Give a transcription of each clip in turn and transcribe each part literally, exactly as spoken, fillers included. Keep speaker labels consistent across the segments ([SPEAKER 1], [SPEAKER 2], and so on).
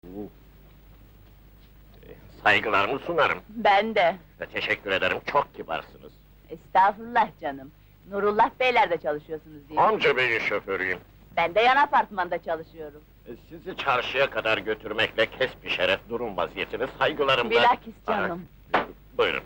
[SPEAKER 1] Saygılarımı sunarım.
[SPEAKER 2] Ben de.
[SPEAKER 1] Ve teşekkür ederim, çok kibarsınız.
[SPEAKER 2] Estağfurullah canım. Nurullah Beyler'de çalışıyorsunuz değil mi?
[SPEAKER 1] Amca beyin şoförüyüm.
[SPEAKER 2] Ben de yan apartmanda çalışıyorum.
[SPEAKER 1] E, Sizi çarşıya kadar götürmekle kesbi şeref durum vaziyetini saygılarımla...
[SPEAKER 2] Bilakis canım.
[SPEAKER 1] Aa, buyurun.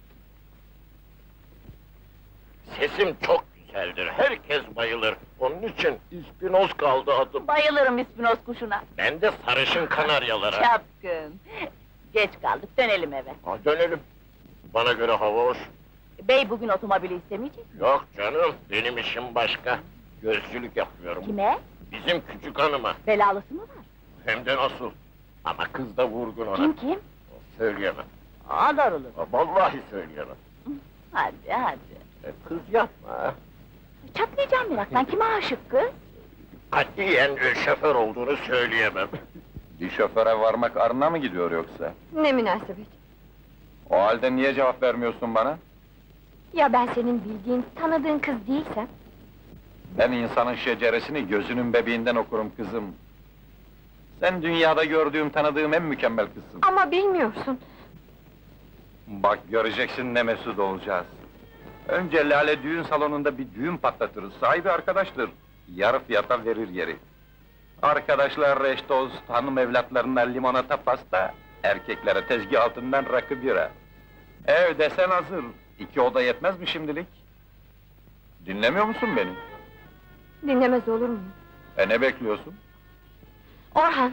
[SPEAKER 1] Sesim çok güzeldir, herkes bayılır. Onun için İspinoz kaldı adım.
[SPEAKER 2] Bayılırım ispinoz kuşuna.
[SPEAKER 1] Ben de sarışın kanaryalara.
[SPEAKER 2] Çapkın. Geç kaldık, dönelim eve.
[SPEAKER 1] Ha, dönelim. Bana göre hava hoş.
[SPEAKER 2] Bey bugün otomobili istemeyecek mi?
[SPEAKER 1] Yok canım, benim işim başka. Gözcülük yapıyorum.
[SPEAKER 2] Kime?
[SPEAKER 1] Bizim küçük hanıma.
[SPEAKER 2] Belalısı mı var?
[SPEAKER 1] Hem de nasıl? Ama kız da vurgun ona.
[SPEAKER 2] Kim kim?
[SPEAKER 1] Söyleyemem.
[SPEAKER 2] Aa doğrulu.
[SPEAKER 1] Ha, vallahi söyleyemem.
[SPEAKER 2] Hadi hadi.
[SPEAKER 1] E, kız yapma.
[SPEAKER 2] Çatlayacağım meraktan, kime aşık kız?
[SPEAKER 1] Katiyen e, şoför olduğunu söyleyemem.
[SPEAKER 3] Bir şoföre varmak arına mı gidiyor yoksa?
[SPEAKER 4] Ne münasebet!
[SPEAKER 3] O halde niye cevap vermiyorsun bana?
[SPEAKER 4] Ya ben senin bildiğin, tanıdığın kız değilsem?
[SPEAKER 3] Ben insanın şeceresini gözünün bebeğinden okurum kızım. Sen dünyada gördüğüm, tanıdığım en mükemmel kızsın.
[SPEAKER 4] Ama bilmiyorsun!
[SPEAKER 3] Bak göreceksin ne mesut olacağız. Önce Lale düğün salonunda bir düğün patlatırız, sahibi arkadaştır. Yarı fiyata verir yeri. Arkadaşlar reş tost, hanım evlatlarına limonata pasta, erkeklere tezgah altından rakı bira. Ev desen hazır, iki oda yetmez mi şimdilik? Dinlemiyor musun beni?
[SPEAKER 4] Dinlemez olur muyum?
[SPEAKER 3] E ne bekliyorsun?
[SPEAKER 4] Orhan!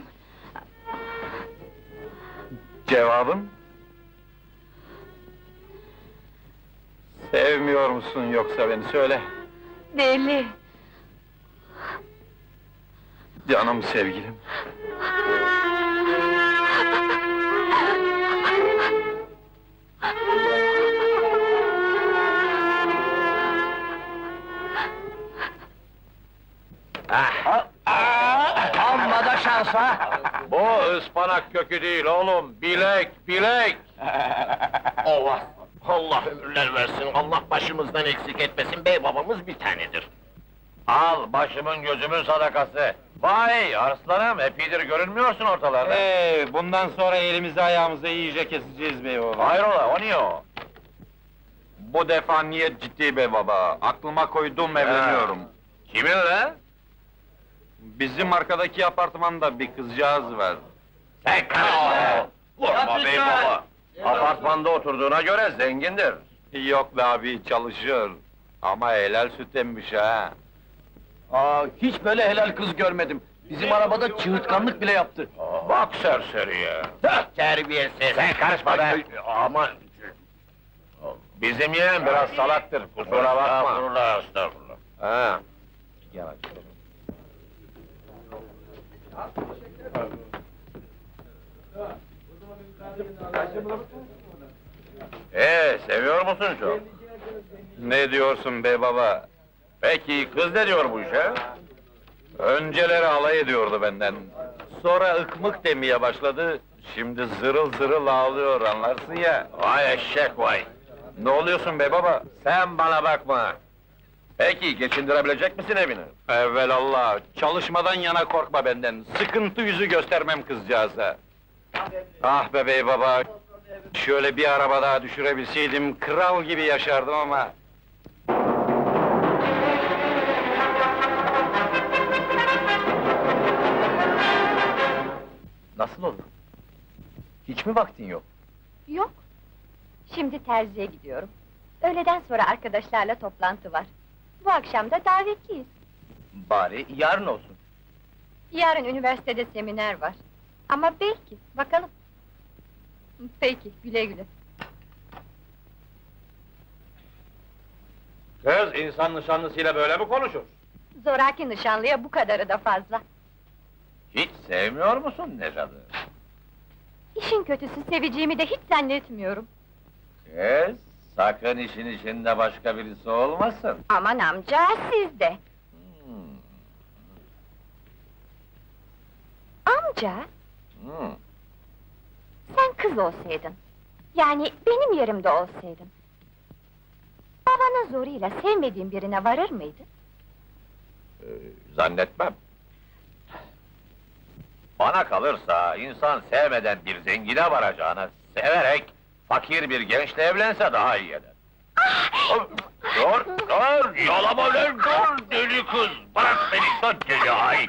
[SPEAKER 3] Cevabın? Sevmiyor musun yoksa beni söyle.
[SPEAKER 4] Deli!
[SPEAKER 3] Canım sevgilim.
[SPEAKER 1] Amma da şansa!
[SPEAKER 3] Bu ıspanak kökü değil oğlum, bilek, bilek!
[SPEAKER 1] Allah! Allah ömürler versin, Allah başımızdan eksik etmesin, bey babamız bir tanedir.
[SPEAKER 3] Al, başımın gözümün sadakası! Vay arslanım, epidir görünmüyorsun ortalarda! Ee, bundan sonra elimizi ayağımızı iyice keseceğiz bey baba! Hayrola, o niye o? Bu defa niyet ciddi bey baba, aklıma koydum evleniyorum. Kiminle? Bizim arkadaki apartmanda bir kızcağız var.
[SPEAKER 1] Sen karışma!
[SPEAKER 3] Vurma bey baba! Apartmanda oturduğuna göre zengindir. Yok be abi, çalışıyor. Ama helal süt emmiş ha!
[SPEAKER 5] Aa, hiç böyle helal kız görmedim. Bizim arabada çığırtkanlık bile yaptı.
[SPEAKER 3] Bak serseriye!
[SPEAKER 1] Terbiyesiz! Sen karışma be!
[SPEAKER 3] Aman! Bizim yeğen biraz salaktır, kusura bakma.
[SPEAKER 1] Estağfurullah, estağfurullah.
[SPEAKER 3] Ha. Ee, seviyor musun çok? Ne diyorsun be baba? Peki, kız ne diyor bu işe? Önceleri alay ediyordu benden. Sonra ıkmık demeye başladı, şimdi zırıl zırıl ağlıyor, anlarsın ya.
[SPEAKER 1] Vay eşek vay!
[SPEAKER 3] Ne oluyorsun be baba? Sen bana bakma! Peki, geçindirebilecek misin evini? Evvelallah, çalışmadan yana korkma benden, sıkıntı yüzü göstermem kızcağıza. Ah be bey baba! Şöyle bir araba daha düşürebilseydim, kral gibi yaşardım ama...
[SPEAKER 5] Nasıl olur? Hiç mi vaktin yok?
[SPEAKER 4] Yok! Şimdi terziye gidiyorum. Öğleden sonra arkadaşlarla toplantı var. Bu akşam da davetliyiz.
[SPEAKER 5] Bari yarın olsun.
[SPEAKER 4] Yarın üniversitede seminer var. Ama belki, bakalım. Peki, güle güle.
[SPEAKER 3] Kız, insan nişanlısıyla böyle mi konuşur?
[SPEAKER 4] Zoraki nişanlıya bu kadarı da fazla.
[SPEAKER 3] Hiç sevmiyor musun Necat'ı?
[SPEAKER 4] İşin kötüsü seveceğimi de hiç zannetmiyorum.
[SPEAKER 3] Kız, sakın işin içinde başka birisi olmasın.
[SPEAKER 4] Aman amca, siz de.
[SPEAKER 3] Hmm,
[SPEAKER 4] Amca,
[SPEAKER 3] hmm.
[SPEAKER 4] sen kız olsaydın, yani benim yerimde olsaydın, babanın zoruyla sevmediğin birine varır mıydın?
[SPEAKER 3] Ee, zannetmem. Bana kalırsa insan sevmeden bir zengine varacağına severek fakir bir gençle evlense daha iyi eder. Dur, dur! Yalama lan, dur deli kız! Bırak beni, dur deli ay!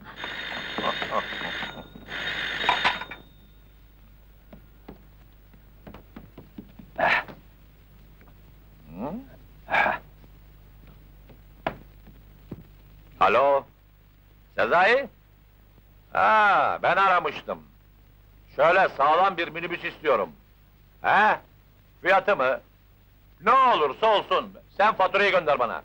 [SPEAKER 3] Alo? Sezai? Ha, ben aramıştım. Şöyle sağlam bir minibüs istiyorum. He? Fiyatı mı? Ne olursa olsun, sen faturayı gönder bana.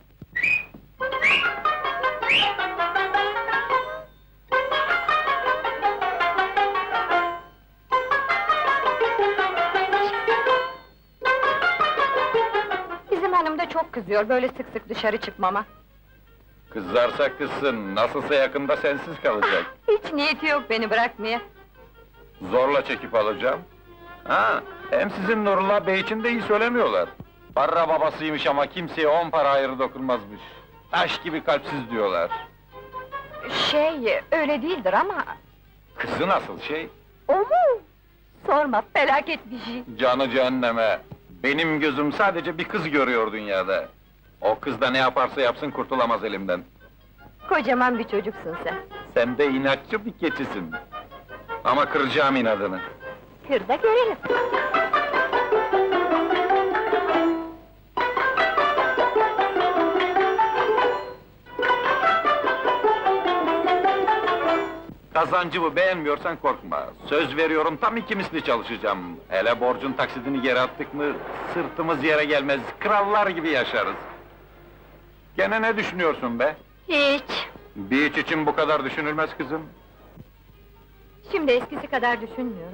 [SPEAKER 4] Bizim hanım da çok kızıyor böyle sık sık dışarı çıkmama.
[SPEAKER 3] Kızarsa kızsın, nasılsa yakında sensiz kalacak.
[SPEAKER 4] Hiç niyeti yok beni bırakmaya.
[SPEAKER 3] Zorla çekip alacağım. Ha, hem sizin Nurullah Bey için de iyi söylemiyorlar. Para babasıymış ama kimseye on para ayrı dokunmazmış. Taş gibi kalpsiz diyorlar.
[SPEAKER 4] Şey, öyle değildir ama...
[SPEAKER 3] Kızı nasıl şey?
[SPEAKER 4] O mu? Sorma, felaket bir şey.
[SPEAKER 3] Canı cehenneme! Benim gözüm sadece bir kız görüyor dünyada. O kız da ne yaparsa yapsın kurtulamaz elimden.
[SPEAKER 4] Kocaman bir çocuksun sen.
[SPEAKER 3] Sen de inatçı bir keçisin. Ama kıracağım inadını.
[SPEAKER 4] Kır da görelim.
[SPEAKER 3] Kazancımı beğenmiyorsan korkma. Söz veriyorum tam iki misli çalışacağım. Hele borcun taksidini geri attık mı, sırtımız yere gelmez, krallar gibi yaşarız. Gene ne düşünüyorsun be?
[SPEAKER 4] Hiç.
[SPEAKER 3] Bir iç için bu kadar düşünülmez kızım.
[SPEAKER 4] Şimdi eskisi kadar düşünmüyorum.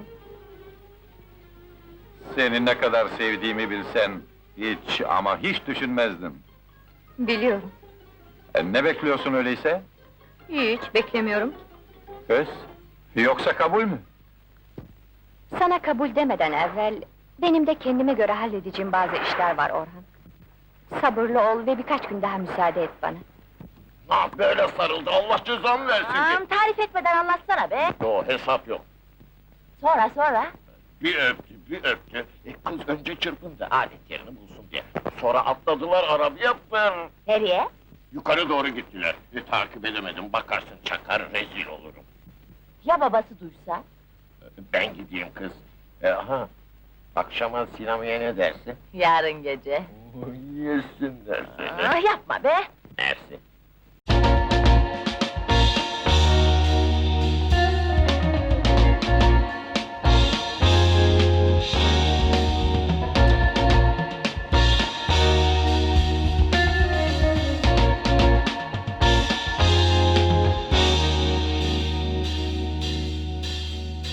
[SPEAKER 3] Seni ne kadar sevdiğimi bilsen, hiç ama hiç düşünmezdim.
[SPEAKER 4] Biliyorum.
[SPEAKER 3] E, ne bekliyorsun öyleyse?
[SPEAKER 4] Hiç beklemiyorum.
[SPEAKER 3] Kız, yoksa kabul mü?
[SPEAKER 4] Sana kabul demeden evvel... ...benim de kendime göre halledeceğim bazı işler var Orhan. Sabırlı ol ve birkaç gün daha müsaade et bana.
[SPEAKER 1] Ah böyle sarıldı, Allah cezanı versin ki!
[SPEAKER 2] Aman tarif etmeden anlatsana be!
[SPEAKER 1] Yo, hesap yok.
[SPEAKER 2] Sonra sonra!
[SPEAKER 1] Bir öptü, bir öptü. E, kız önce çırpındı, alet yerini bulsun diye. Sonra atladılar arabaya, pır!
[SPEAKER 2] Nereye?
[SPEAKER 1] Yukarı doğru gittiler. E, takip edemedim, bakarsın çakar, rezil olurum.
[SPEAKER 2] Ya babası duysa?
[SPEAKER 1] E, ben gideyim kız. E, aha, akşama sinemaya ne dersin?
[SPEAKER 2] Yarın gece.
[SPEAKER 1] Yesinler seni.
[SPEAKER 2] Ah, yapma be!
[SPEAKER 1] Mersi.